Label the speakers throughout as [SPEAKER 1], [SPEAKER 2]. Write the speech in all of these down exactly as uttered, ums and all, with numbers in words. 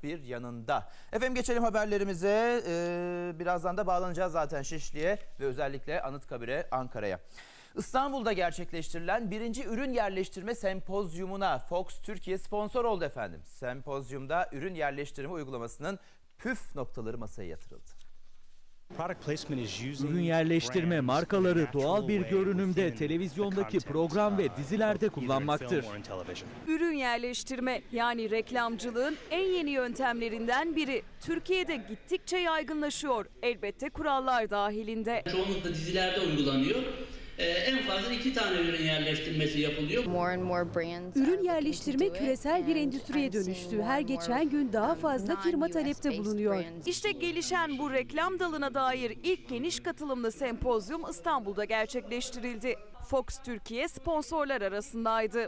[SPEAKER 1] dört bir yanında. Efendim geçelim haberlerimize. Ee, birazdan da bağlanacağız zaten Şişli'ye ve özellikle Anıtkabir'e, Ankara'ya. İstanbul'da gerçekleştirilen birinci ürün yerleştirme sempozyumuna Fox Türkiye sponsor oldu efendim. Sempozyumda ürün yerleştirme uygulamasının püf noktaları masaya yatırıldı.
[SPEAKER 2] Ürün yerleştirme markaları doğal bir görünümde televizyondaki program ve dizilerde kullanmaktır.
[SPEAKER 3] Ürün yerleştirme yani reklamcılığın en yeni yöntemlerinden biri. Türkiye'de gittikçe yaygınlaşıyor. Elbette kurallar dahilinde.
[SPEAKER 4] Çoğunlukla dizilerde uygulanıyor. Ee, en fazla iki tane ürün yerleştirmesi yapılıyor.
[SPEAKER 5] Ürün yerleştirme küresel bir endüstriye dönüştü. Her geçen gün daha fazla firma talepte bulunuyor.
[SPEAKER 3] İşte gelişen bu reklam dalına dair ilk geniş katılımlı sempozyum İstanbul'da gerçekleştirildi. Fox Türkiye sponsorlar arasındaydı.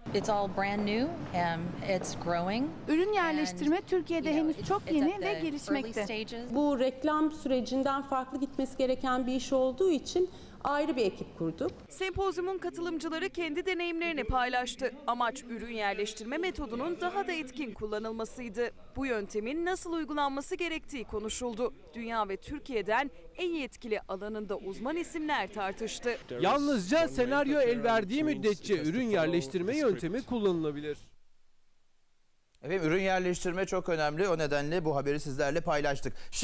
[SPEAKER 6] Ürün yerleştirme Türkiye'de henüz çok yeni ve gelişmekte.
[SPEAKER 7] Bu reklam sürecinden farklı gitmesi gereken bir iş olduğu için ayrı bir ekip kurduk.
[SPEAKER 3] Sempozyumun katılımcıları kendi deneyimlerini paylaştı. Amaç ürün yerleştirme metodunun daha da etkin kullanılmasıydı. Bu yöntemin nasıl uygulanması gerektiği konuşuldu. Dünya ve Türkiye'den en yetkili alanında uzman isimler tartıştı.
[SPEAKER 8] Yalnızca senaryo el verdiği müddetçe ürün yerleştirme yöntemi kullanılabilir.
[SPEAKER 1] Efendim ürün yerleştirme çok önemli. O nedenle bu haberi sizlerle paylaştık.